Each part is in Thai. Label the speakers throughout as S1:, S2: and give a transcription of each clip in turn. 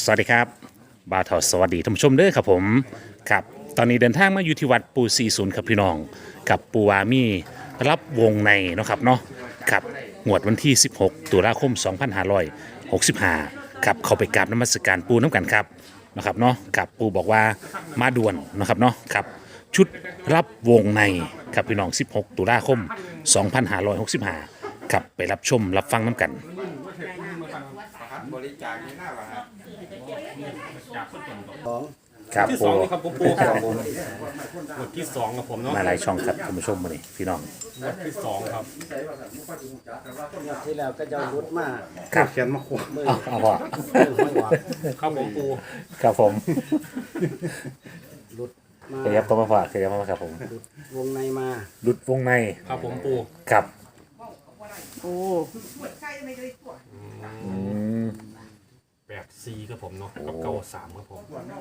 S1: สวัสดีครับบ่าวเถาสวัสดีท่านผู้ชมเด้อครับผมครับตอนนี้เดินทางมาอยู่ที่วัดปู40ครับพี่น้องกับปูวามีรับวงในเนาะครับเนาะครับงวดวันที่ 16 ตุลาคม 2565ครับเข้าไปกราบนมัสการปูน้ำกันครับนะครับเนาะครับปูบอกว่ามาด่วนนะครับเนาะครับชุดรับวงในครับพี่น้อง 16 ตุลาคม 2565ครับไปรับชมรับฟังน้ำกัน
S2: บริจาคนี่น่าว่าฮะ
S1: ครับ
S3: ที่
S1: ปู
S3: สองนี่ครับผมปูครับผมหมวดที่สองครับผมเนาะ
S1: มาหลายช่องครับท่านผู้ชมมานี่พี่น้อง
S3: หมวดที่สองครับ
S4: ที่แล้วก็จะรุดมา
S1: ครับ
S2: เขียนมาขวด
S4: มือ
S1: เอาพ่อ
S4: ไม่หวัง
S3: ครับผมปู
S1: ครับผม
S4: รุดมา
S1: ขยับเข้ามาฝากขยับเข้ามาครับผม
S4: วงในมา
S1: หลุดวงใน
S3: ครับผมปู
S1: ครับ
S5: โอ้
S1: อืม
S3: 84ครับผมเนาะกับ93ครับผมนี่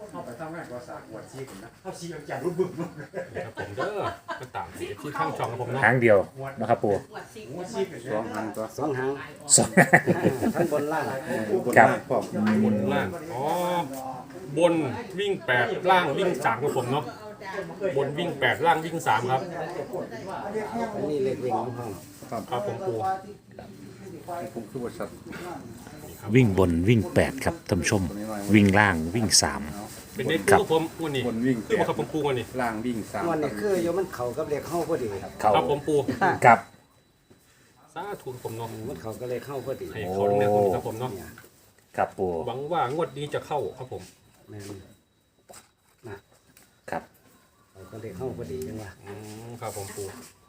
S3: ครับผมเด้อก็ตามที่ข้างช่องครับผมเนาะ
S1: หางเดียวนะครับปู
S2: สองพันตัว
S4: สองหาง
S1: สอง
S4: ทั้งบนล่าง
S2: บน
S1: ครับ
S2: ล่างพร้อม
S3: บนล่างอ๋อบนวิ่ง8ล่างวิ่ง3ครับผมเนาะบนวิ่ง8ล่างวิ่ง3ครับ
S4: อันนี้เล็กวิ่งของห้อง
S3: ครับผมปู
S2: ผมคือบริษัท
S1: วิ่งบนวิ่ง8ครับท่านผู้ชม วิ่งล่างวิ่ง
S3: เป็นเด็กปูครับผมวันนี้
S2: บนวิ่ง
S3: คือมาครับผมปูวันนี้
S2: ล่างวิ่งสาม
S4: วันนี้คือโยมันเข่ากับเล็กเข้าพอดีครับ
S1: ๆ เขา
S3: ครับผมปู
S1: ครับ
S3: สาธุครับผมเนาะ
S4: มันเข่ากับเล็กเข้าพอดี
S3: ให้เขาเนี่ยครับผมเนาะ
S1: ครับปู
S3: หวังว่างวดนี้จะเข้าครับผม
S4: แม่นนะครับ เข่ากับเล็กเข้าพอดีจังวะ
S3: ครับผมปู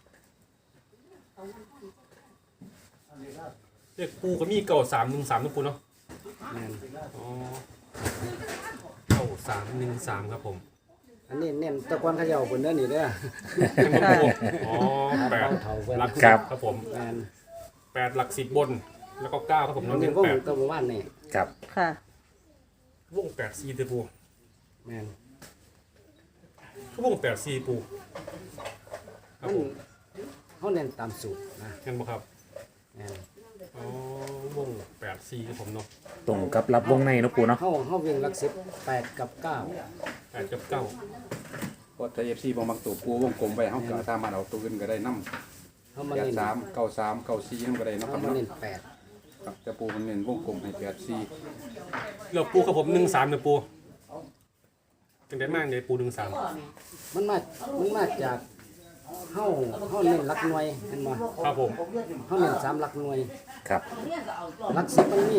S3: เรียกปูก็มี9313นะปูเนาะ
S4: แม่น
S3: อ๋อ9313ครับผม
S4: อันนี้เน้นตะกอนเขย่าบนเด้อนี่เด้อ
S3: อ๋อแปด
S4: เข่าเพิ่น
S3: หลักสิบครับผม
S4: แม่น
S3: 8หลัก10บน แล้วก็9ครับผม
S4: มั
S3: น้อน ง
S4: เป็
S3: เน้
S4: น
S3: น
S4: วง
S3: 8
S4: ตัวหมู่บ้านนี่
S1: ครับ
S5: ค่ะ
S3: วง84เด้อปู
S4: แม่น
S3: วง84ปูครับ
S4: มัน
S3: ผม
S4: เขาเน้นตามสูตรนะ
S3: เห็นบ่ครับ
S4: แม่น
S3: อ๋อวง84ครับผมเนาะ
S1: ตรงกับรับวงในเนาะปูเนาะ
S4: เขาวิ่งหลักสิบ8กับ9
S3: 8กับ9
S2: พอไทยเอฟซีบางตัวปูวงกลมไปเขาก็สามารถเอาตัวอื่นก็ได้น้ำ
S4: เขามา
S2: แปด
S4: เน้น
S2: สามเก้าสามเก้าสี่นั่นก็ได้นะค
S4: เขา
S2: รับ
S4: มา
S2: เนาะ
S4: เน้น8
S2: ครับแต่ปูมันเน้นวงกลมให้84
S3: แล้วปูครับผม13เด้อปูจังได๋มากเลยปู13
S4: มันมาจากเฮาเน้นหลักหน่วยเห็นบ่
S3: ครับผม
S4: เฮาเน้น3หลักหน่วย
S1: ครับ
S4: หลัก10มันมี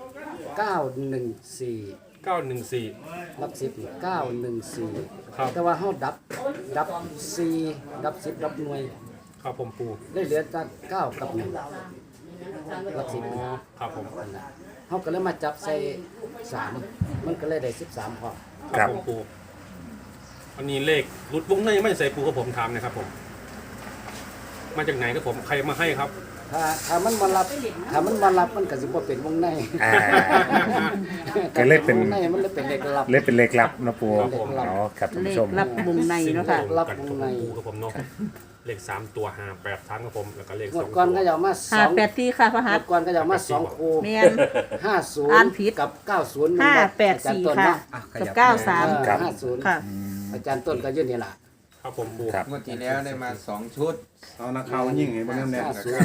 S4: 914
S3: 914
S4: หลัก10นี่914
S3: ครับ
S4: แต่ว่าเฮาดับ4ดับ10ดับหน่วย
S3: ครับผมปู
S4: ได้เหลือแต่9กับ1หลัก
S3: อ๋อ
S4: 10
S3: ครับผม
S4: นั่นน่ะเฮาก็เลยมาจับใส่3มันก็เลยได้13พอ
S3: ครับผมปูอันนี้เลขรุดวงในไม่ใส่ปูครับผมถามนะครับผมมาจากไหนครับผมใครมาให้ครับ
S4: ถ้ามันมารับมันก็สิบ่เป็นวงใน
S1: อ่า ก็เลยเป็น
S4: วงในมันเลยเป็นเลขลับ
S1: เล่นเป็นเลขลับเนาะปู
S3: ครับผม
S1: อ๋อครับท่าน
S5: เล
S1: ผู้
S5: ข
S1: ชม
S5: รับวงในเนาะค่ะ
S4: รับ
S3: กัน
S4: ว
S3: กับ
S4: งใน
S3: ปูครับผมเนาะเลข3ตัว5 8ชั้นครับผมแล้วก็เลข
S4: งวด
S3: 2
S4: ก่อน
S3: ตั
S4: ก็
S3: ว
S4: จะเอามา
S5: ห้าแปดสี่ค่ะพระ
S4: ง
S5: หั
S4: ว
S5: ต
S4: ดก่อนก็จะเอามา2คู่
S5: เมียน
S4: 50
S5: อ่านผิด
S4: กับ90
S5: 584ค่ะกับ93
S1: ครับ
S4: 50
S5: ค่ะ
S4: อาจารย์ต้นก็อยู่นี่ล่ะ
S3: ครับผมปู
S1: ครับ
S6: งวดที่แล้วได้มา2 ชุด
S2: เอานักข่าวยิ่งให้บ่แน่นแน่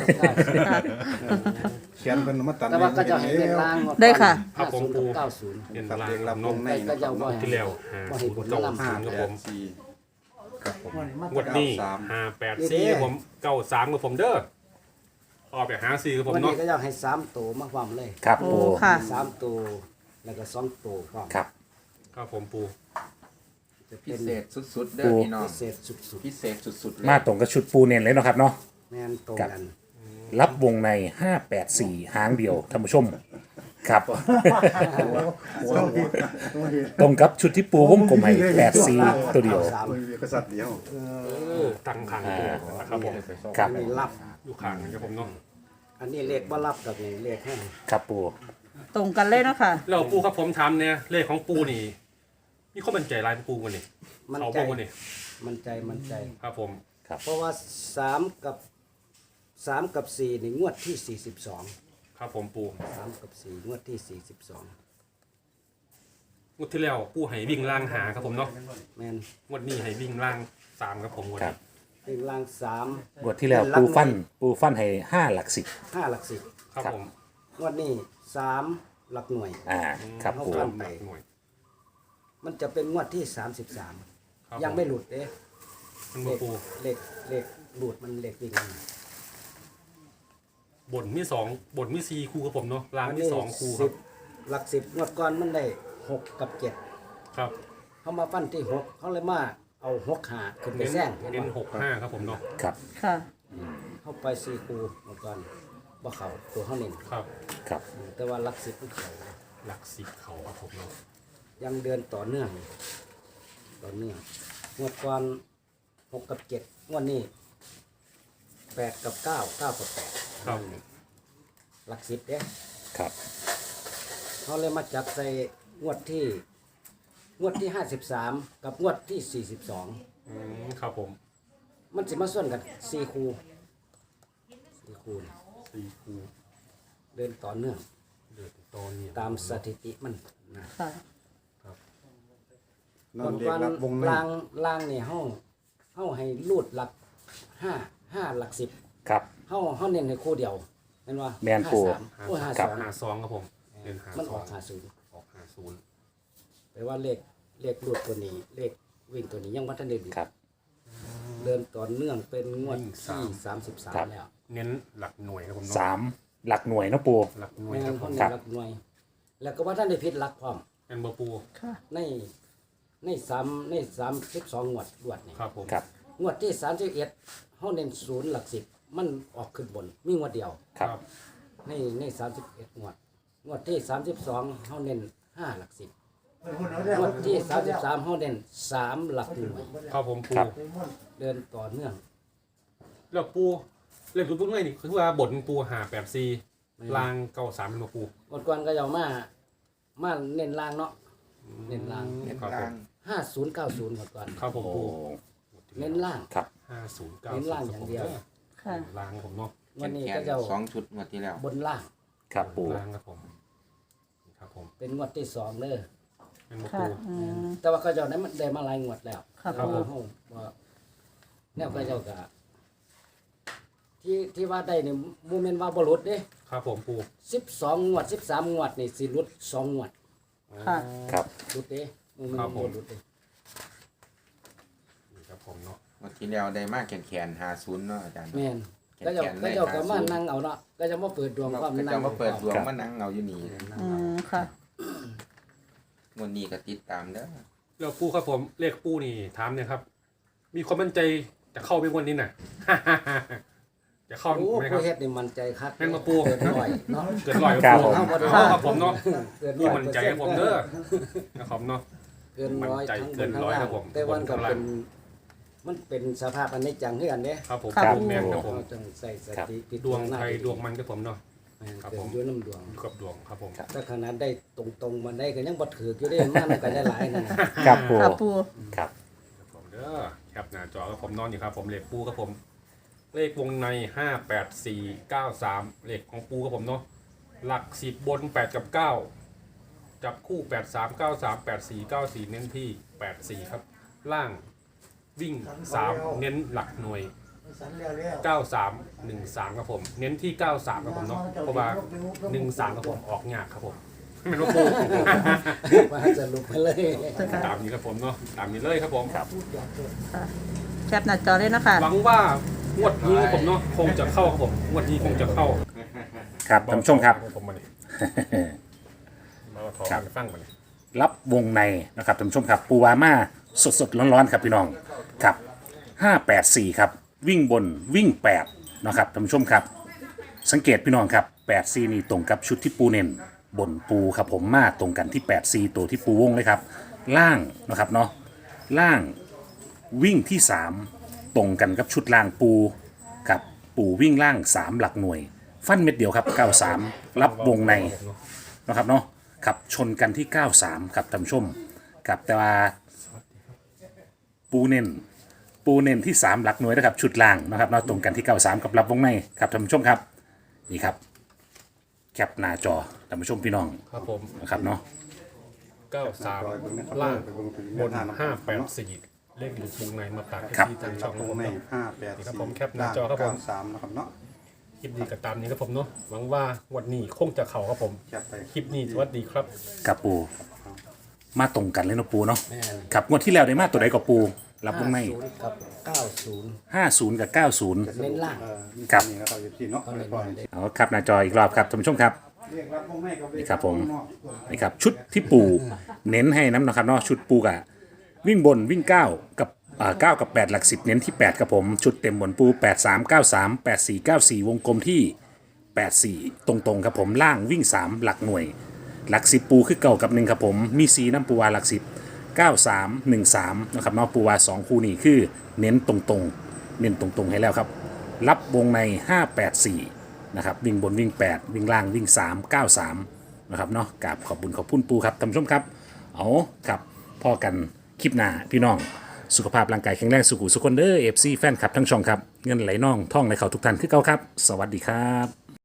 S2: เขียนเพิ่นมาตัด
S4: แต่ว่าก็จะให้เลขล่างงวก่อน
S5: ได้ค่ะ
S3: ครับผมปู
S4: 50กับ90
S3: เห็น
S2: ครับ
S3: ลา
S2: เด็
S3: ง
S2: ก
S3: ค
S2: รั
S3: รั
S2: บบ ว
S3: เนาะ
S2: งใน
S4: ก็จะบ่ให้
S3: ที่แล้ว
S4: บ่ให้ผล
S3: 5
S4: ลำ
S3: 0 9 0ครับผม
S2: 84ครับผม
S3: งวดนี้584ครับผม93ครับผมเด้อออกไปหา4ครับผม
S4: วันนี้
S3: เนาะ
S4: ก็จะให้3ตัวมาความเลย
S1: ครับ
S5: โอ้
S1: ปู
S5: ค่ะ
S4: 3ตัวแล้วก็2ตัวพร้อม
S1: ครับ
S3: ครับผมปู
S4: จะ
S6: พิ
S4: เป็น
S6: เศษสุดๆเด้อพี่น้อง
S4: พิเศษสุด
S6: พิเศษสุดๆเลย
S1: มาตรงกับชุดปูเน้นเลยเนาะครับเนาะ
S4: ๆแม่นตรงกัน
S1: รับวงใน 584 หางเดียวท่านผู้ชมครับ ตรงกับชุดที่ปูวงกลมให้84 ตัวเดียว
S4: สาม
S2: กษัตริย์เดียว
S3: ตั้งขังตัวนะครับผม
S1: ครับ
S4: อันนี้รับ
S3: อยู่ข้างนะครับผมเนาะ
S4: อันนี้เลขบ่รับกับนี่เลขให้
S1: ครับปู
S5: ตรงกันเลยเนาะค่ะ
S3: แล้วปูครับผมถามเนี่ยเลขของปูนี่มีข้อมั่นใจลายปูกันนี่
S4: มัน
S3: เอา
S4: ใจ
S3: บ่กันนี่
S4: มันใจ
S3: ครับผม
S4: เพราะว่า3กับ4นี่งวดที่42
S3: ครับผมปู
S4: 3กับ4งวดที่42
S3: งวดที่แล้วปูให้วิ่งล่างหาครับผมเนาะ
S4: แมน
S3: งวดนี้ให้วิ่งล่าง3ครับผมงวด
S1: ครั
S3: นี้
S1: บ
S4: เป็นรางสาม
S1: งวดที่แล้วปูฟันให้5หลักสิบ
S4: ห้าหลักสิบ
S3: ครับ
S1: ครับ
S3: ผม
S4: งวดนี้3หลักหน่วย
S1: ครับปู
S4: เอาฟัน
S3: หลักหน่วย
S4: มันจะเป็นงวดที่
S3: ครับ
S4: 33 ยังไม่หลุดเด้
S3: มัน
S4: เล
S3: บ่
S4: ข
S3: ปู
S4: เลขหลุดมันเลขวิ่ง
S3: บนมี2บนมี4คู่ครับผมเนาะล่างมี2คู่ค
S4: สิ
S3: รับบ
S4: หลัก10งวดก่อนมันได้6กับ7
S3: ครับ
S4: เขามาฟันที่6เขาเลยมาเอา6หาขึ้นไป
S3: เน้น
S4: แซงเห็น
S3: เน้น
S4: บ่
S3: 6-5ครับผมเนาะ
S1: ครับ
S5: ค่ะ
S4: เข้าไป4คูงวดก่อนบ่เข้าตัวเขาเน้น
S3: ครับ
S1: ครับ
S4: แต่ว่าหลัก10มันเข้า
S3: หลัก10เขาครับผมเนาะ
S4: ยังเดินต่อเนื่องงวดก่อน6กับ7งวดนี้8กับ9 9กับ8
S3: ครับ
S4: หลัก10เด้
S1: ครับ
S4: เขาเลยมาจับใส่งวดที่53กับงวดที่42
S3: ครับผม
S4: มันสิมาส่วนกัน4คู่นี่
S3: 4คู่
S4: เดินต่อเนื่อง
S3: เดือดตอนนี้
S4: ตามสถิติมันนะ
S5: ค่ะ
S2: นอนเด็กรับวงใน
S4: ล่างนี่เฮาให้รูดหลัก5หลัก10
S1: ครับ
S4: เฮาเน้นให้คู่เดียวแม่นว่า
S1: แม่นปู่
S4: โอ้ย
S1: ครับ
S3: 52ครับผมเดือน52
S4: มันออก
S3: ออก50
S4: 50แปลว่าเลขรูดตัวนี้เลขวิ่งตัวนี้ยังบ่ทันได้ดี
S1: ครับ
S4: เดินต่อเนื่องเป็นงวด
S3: วิ่ง
S4: ที่
S1: ครับ
S4: 33แล้ว
S3: เน้นหลักหน่วยครับผมเนาะ
S1: 3หลักหน่วยเนาะปู
S3: หลักหน่วย
S4: แม่
S3: ครับ
S4: น
S3: ผ
S4: เขา
S3: ม
S4: เน้
S1: ครั
S4: น
S1: บ
S4: หลักหน่วย แล้วก็ว่าท่านได้ผิดหลักพร้อม
S3: เป็นบ่ปู
S5: ค่ะ
S4: ใน32งวดรวดนี่
S3: ครับผม
S1: ครับ
S4: งวดที่31เฮาเน้น0หลัก10มันออกขึ้นบนมีงวดเดียว
S1: ครับ
S4: ใน31งวดที่32เฮาเน้น5หลัก10งวดที่33เฮาเน้น3หลักหน่วย
S3: ครับผมปู
S1: ครับ
S4: เดินต่อเนื่อง
S3: แล้วปูเล่นรูปพวกนี้นี่คือว่าบทปู584ลาง93เป็นบ่ปู
S4: งวดก่อนก็เอามาเน้นล่างเนาะเน้นล่าง
S6: เน้น
S3: ครับผ
S6: ล่าม ง
S4: 5090งวดก่อน
S3: ครับผม
S1: โอ้
S3: ปู
S4: เน้นล่าง
S1: ครับ
S3: 5090
S4: เน้นล่างอย่างเดียว
S5: ค่ะ
S3: ล่างครับผมเนาะ
S4: วันนี้
S6: แข
S4: ก็
S6: น
S4: จะเอา
S6: 2ชุดงวดที่แล้ว
S4: บนล่าง
S1: ครับปู
S3: ล่างครับผมครับผม
S4: เป็นงวดที่2เด้อ
S3: เป็นบ่
S5: ค่ะ
S3: ปู
S4: แต่ว่าเขาเจ้านั้นมันได้มาหลายงวดแล้ว
S5: ครับ
S4: เพาะว่าเฮาว่าแนวเขาเจ้าก็ที่ว่าได้นี่บ่แม่นว่าบ่หลุดเด้
S3: ครับผมปู
S4: 12งวด13งวดนี่สิหลุด2งวด
S5: ค่ะ
S1: ครับ
S4: หลุดเด้บ่แม่น
S3: ครับผม
S4: บ่หลุดเด้
S3: นี่ครับผมเนาะ
S6: งวดที่แล้วได้มากแขน50เนาะอาจารย์
S4: แม่น
S6: แขน
S4: ก็เจ้า
S6: แขน
S4: ก็
S6: ได้
S4: เจ้าก็มา
S6: 50
S4: นั่งเอาเนาะก็จะมาเปิดดวงความ
S6: ก็
S4: นั่
S6: จะ
S4: ง
S6: มาเปิดดวง
S1: ครับ
S6: มานั่งเอาอยู่นี่
S5: อืมค่ะ
S6: งวดนี้ก็ติดตามเด้อ
S3: แล้วปูครับผมเลขปูนี่ถามเนี่ยครับ มีความมั่นใจจะเข้าไปวันนี้น่ะ จะเข้า
S4: โอ้
S3: ไหมครับ
S4: ผู้เฮ็ดนี่มั่นใจคัก
S3: แม่นบ่ปู
S4: เกินร้อยเนาะ
S3: เกินร้อย
S1: ครั
S3: กั
S1: บบ ผม
S3: ปูครับผมเนาะ
S4: เกิน
S3: มี
S4: ร้อย
S3: มั่นใจครับผมเด้อนะครับเนาะ
S4: เกินร้อย
S3: มั่นใจ
S4: ทั้งบ
S3: เกิ
S4: น
S3: น
S4: ทั้ง
S3: ร้อย
S4: ล่า
S3: ครั
S4: ง
S3: บผม
S4: แต่วันก็
S3: บนทั้งล่าง
S4: เป็นมันเป็นสภาพอันนี้จังคือกันเด้
S3: ครับผม
S5: ครับ
S3: แม่นครับผม
S4: เราต้องใส่สติพิ
S3: ดวง
S4: จารณา
S3: ไทยดวงมันครับผมเนาะ
S4: แม่น
S3: ครับ
S4: เกิ
S3: ผ
S4: ด
S3: ม
S4: อยู่น้ำดวง
S3: อยู่กับดวงครับผม
S4: ถ้าขนาดได้ตรงๆมันได้ก็ยังบ่ถืออยู่เด้มากมันก็ได้หลายนั่นน่ะ
S1: ครับปู
S5: ค่ะปู
S1: ครับ
S3: ครับผมเด้อแคปหน้าจอครับผมนอนอยู่ครับผมเลขปูครับผม เลขวงใน58493เลขของปูครับผมเนาะหลัก10บน8กับ9จับคู่8393 8494เน้นที่84ครับล่างวิ่ง3เน้นหลักหน่วย9313ครับผมเน้นที่93ครับผมเนาะเพราะว่า13ครับผมออกยากครับผมไม่รู้ปู
S4: ว่าจะลุกไปเลย
S3: ตามนี้ครับผมเนาะตามนี้เลยครับผม
S1: ครับ
S5: แคปหน้าจอเลยนะคะ
S3: หวังว่างวดนี้ครับผมเนาะคงจะเข้าครับผมงวดนี้คงจะเข้า
S1: ครับท่านผู้ชมครับ
S3: ผมมาเนี่ยมาถอ
S1: ครับ
S3: ฟังมาเนี่ย
S1: รับวงในนะครับท่านผู้ชมครับปูวาม่าสดๆร้อนๆครับพี่น้องครับ584ครับวิ่งบนวิ่ง8นะครับท่านผู้ชมครับ สังเกตพี่น้องครับ84นี่ตรงกับชุดที่ปูเน้นบนปูครับผมมาตรงกันที่84ตัวที่ปูวงเลยครับล่างนะครับเนาะล่างวิ่งที่3ตรงกันกับชุดล่างปูครับปูวิ่งล่าง 3 หลักหน่วย ฟันเม็ดเดียวครับ93รับวงใน นะครับเนาะขับชนกันที่ 93ครับท่านผู้ชมกับแต่ว่าปูเน้นที่ 3 หลักหน่วยนะครับชุดล่างนะครับเนาะตรงกันที่ 93กับรับวงในครับท่านผู้ชมครับนี่ครับแคปหน้าจอท่านผู้ชมพี่น้อง
S3: ครับผม
S1: นะครับเนาะ
S3: 93 ล่างบน 584 เลขอยู่วงในมาฝาก
S1: ครับ
S3: ที่ทางช่อง
S2: ต
S3: นะ
S2: รง
S3: ผม
S2: ใน
S3: เนาะ
S2: 584
S3: นี่ครับผมแคปหน้าจอครับผม
S2: 93นะครับเนาะ
S3: คลิปนี้ก็ตามนี้ครับผมเนาะหวังว่าวันนี้คงจะเข่าครับผม
S2: แคปไป
S3: คลิปนี้สวัสดีครับ
S1: กับปูมาตรงกันเลยเนาะปูเนาะ
S4: แม่น
S1: ครับงวดที่แล้วได้มาตัวใดกับปูรับวงใน
S4: 50กับ90
S1: 50 กับ 90
S4: เน้นล่าง
S2: มี
S1: ครับ
S2: นี่นะครับพี่เนาะ
S4: ก็
S2: ไป
S4: เน้น
S2: ก่อน
S4: ล่างเลย
S1: เอาครับหน้าจออีกรอบครับท่านผู้ชมครับ
S2: เรียกรับวงในกับ
S1: นี่ครับผม นี่ครับชุดที่ปูเน้นให้น้ำนะครับเนาะชุดปูกะวิ่งบนวิ่ง9กับ9กับ8หลัก10เน้นที่8ครับผมชุดเต็มบนปู8393 8494วงกลมที่84ตรงๆครับผมล่างวิ่ง3หลักหน่วยหลัก10ปูคือเก่ากับ1ครับผมมีสีน้ำปูวาหลัก10 9313นะครับเนาะปูวา2คู่นี้คือเน้นตรงๆเน้นตรงๆให้แล้วครับรับวงใน584นะครับวิ่งบนวิ่ง8วิ่งล่างวิ่ง393นะครับเนาะกราบขอบบุญขอบคุณปูครับท่านผู้ชมครับเอาครับพ่อกันคลิปหน้าพี่น้องสุขภาพร่างกายแข็งแรงสุขุสุขคนเด้อ FC แฟนคลับทั้งช่องครับเงินไหลน่องท่องไหลเข่าทุกท่านคือเก่าครับ สวัสดีครับ